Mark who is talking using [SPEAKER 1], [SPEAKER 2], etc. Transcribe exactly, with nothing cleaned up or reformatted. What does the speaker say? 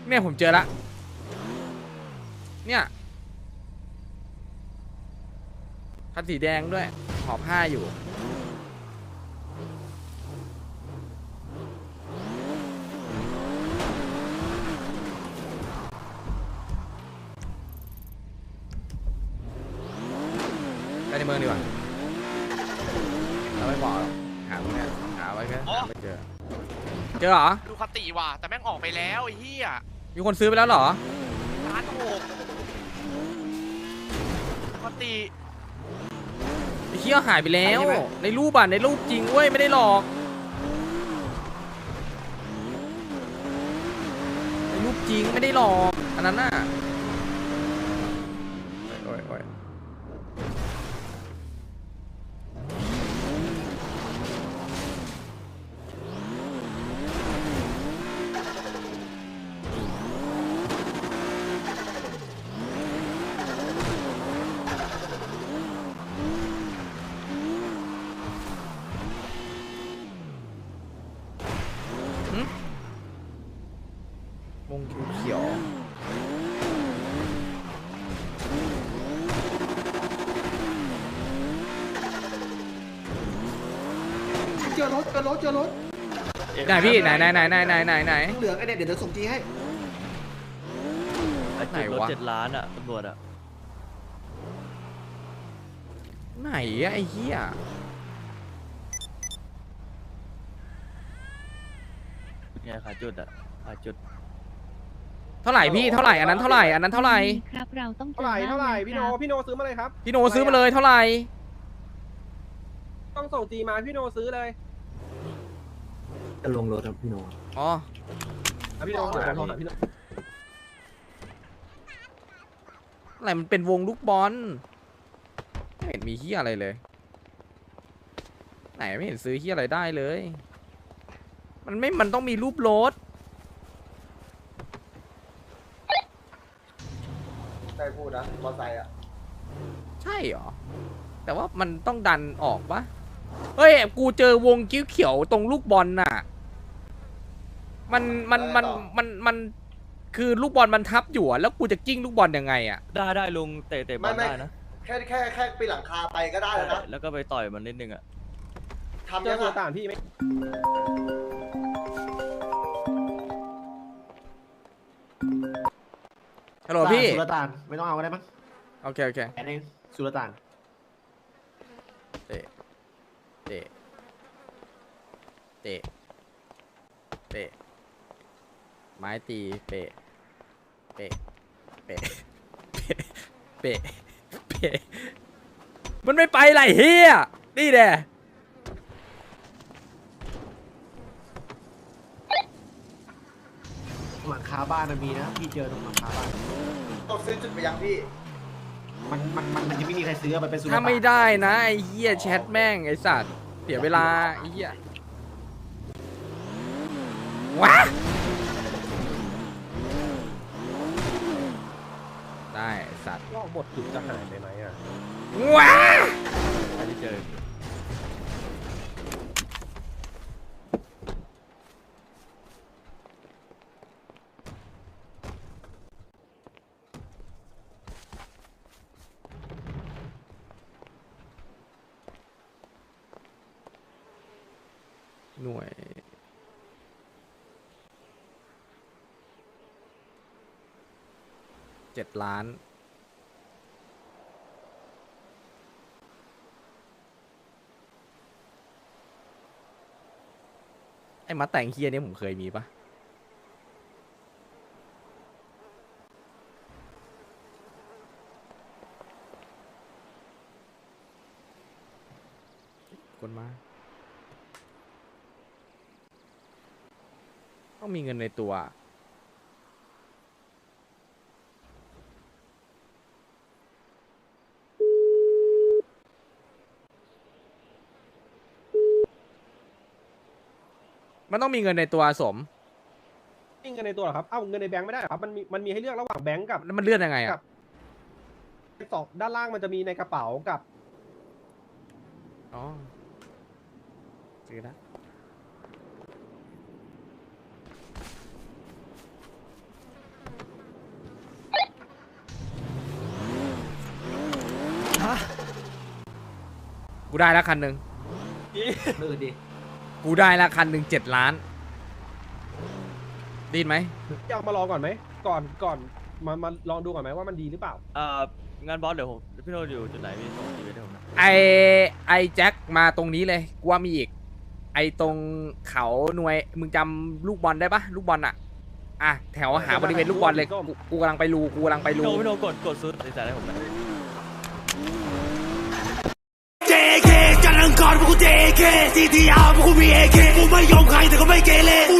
[SPEAKER 1] เนี่ยผมเจอละเนี่ยคันสีแดงด้วยหอบผ้าอยู่ไปในเมืองดีกว่าเราไม่บอกหรอกหาตรงเนี้ยหาไว้ก็หาไม่เจอเจอเหรอ
[SPEAKER 2] ดูคติว่ะแต่แม่งออกไปแล้วไอ้เหี้ย
[SPEAKER 1] มีคนซื้อไปแล้วเหรอ
[SPEAKER 2] ร้านหกคติ
[SPEAKER 1] ไอ้เหี้ยหายไปแล้วในรูปอ่ะในรูปจริงเว้ยไม่ได้หลอกในรูปจริงไม่ได้หลอกอันนั้นน่ะโอ้ยโอ้ยวงเขียว
[SPEAKER 3] เจอรถเจอรถเจอรถ
[SPEAKER 1] ไหนพี่ไหนไหนไหนไหนไหนไหนไหน
[SPEAKER 3] เหลืองไอเนี่ยเดี๋ยวเดี๋ยวส่งจีให้
[SPEAKER 1] ไหนวะ
[SPEAKER 4] เจ็ดล้านอ่ะตำรวจอ่ะ
[SPEAKER 1] ไหนอะไอ้เหี้ย
[SPEAKER 4] ไงขายจุดอ่ะขายจุด
[SPEAKER 1] เท่าไหร่พี่เท่าไหร่อันนั้นเท่าไหร่อันนั้นเท่าไหร่
[SPEAKER 5] ครับเราต้อง
[SPEAKER 6] เท่าไหร่เท่าไหร่พี่โนพี่โนซื้อมาเลยครับ
[SPEAKER 1] พี่โนซื้อมาเลยเท่าไหร่
[SPEAKER 6] ต้องส่งจีมาพี่โนซื้อเลย
[SPEAKER 3] จะลงรถครับพี่โน
[SPEAKER 1] อ๋อ
[SPEAKER 6] พี่โนซื้อพี่โน
[SPEAKER 1] อะไรมันเป็นวงลูกบอลไม่เห็นมีเหี้ยอะไรเลยไหนไม่เห็นซื้อเหี้ยอะไรได้เลยมันไม่มันต้องมีรูปรถ
[SPEAKER 3] ใช่พูดนะมอไซค์อ่ะ
[SPEAKER 1] ใช่เหรอแต่ว่ามันต้องดันออกปะเฮ้ยกูเจอวงกิ้วเขียวตรงลูกบอลน่ะมันมันมันมันมันคือลูกบอลมันทับอยู่แล้วกูจะกิ้งลูกบอลยังไงอ่ะ
[SPEAKER 4] ได้ได้ลุงเตะเตะบอลได้นะ
[SPEAKER 3] แค่แค่แค่ปีนหลังคาไปก็ได้แล้วนะ
[SPEAKER 4] แล้วก็ไปต่อยมันนิดนึงอ่ะ
[SPEAKER 6] ทำยังไงต่างพี่ไหม
[SPEAKER 1] ฮัลโหลพี่
[SPEAKER 3] สุลต่านไม่ต้องเอาก็ได้มั้ง
[SPEAKER 1] โอเคโอเค
[SPEAKER 3] แอนเองสุลต่าน
[SPEAKER 1] เตะเตะเตะเตะไม้ตีเปะเปะเปะเปะเปะมันไม่ไปไหลเฮียนี่แหละ
[SPEAKER 3] หลังคาบ้านมันมีนะพี่เจอตรงหลังคาบ้านต้องซื้อจุดไปยังพี่มันมันมันมันจะไม่มีใครซื้อมันเป็นสุลต่าน
[SPEAKER 1] ถ้าไม่ได้นะไอ้เหี้ยแชทแม่งไอ้สัตว์เสียเวลาไอ้เหี้ยว้าได้สัตว์
[SPEAKER 6] ก็บทจุดจะหายไปไหมอ่ะ
[SPEAKER 1] ว้า
[SPEAKER 4] ไม่ได้เจอ
[SPEAKER 1] หน่วยเจ็ดล้านไอ้มาแต่งเฮียนี่ผมเคยมีปะคนมาต้องมีเงินในตัวมันต้องมีเงินในตัวสม
[SPEAKER 6] มีเงินในตัวเหรอครับเอ้าเงินในแบงค์ไม่ได้เหรอครับมันมีมันมีให้เลือกระหว่างแบงค์กับ
[SPEAKER 1] แล้วมันเลื่อนยังไงอ่ะ
[SPEAKER 6] สองด้านล่างมันจะมีในกระเป๋ากับ
[SPEAKER 1] อ๋อซื้อนะกูได้แล้วคันหนึ่ง
[SPEAKER 3] ลื่นดิ
[SPEAKER 1] กูได้แล้วคันหนึ่งเจ็ดล้านไดีไหม
[SPEAKER 6] อยากมาลองก่อนไหมก่อนก่อนมามาลองดูก่อนไหมว่ามันดีหรือเปล่า
[SPEAKER 4] เอ่องานบอสเดี๋ยวผมพี่โนอยู่จุดไหนพี่ส่งทีวีให้ผมนะ
[SPEAKER 1] ไอไอแจ็คมาตรงนี้เลยกูว่ามีอีก ไอตรงเขาหน่วยมึงจำลูกบอลได้ปะลูกบอลอะอ่ะแถวหาบริเวณลูกบอลเลยกูกูกำลังไปรูกูกำลังไป
[SPEAKER 4] พี่
[SPEAKER 1] รู
[SPEAKER 4] โนพี่โนกดกดซื้อตัดสินใจให้ผมนะ
[SPEAKER 5] เจ เค จันทร์อังคารพวกกู เจ เค ซี ที อาร์ พวกกูมี เอ เค กูไม่ยอมใครแต่ก็ไม่เกเรกู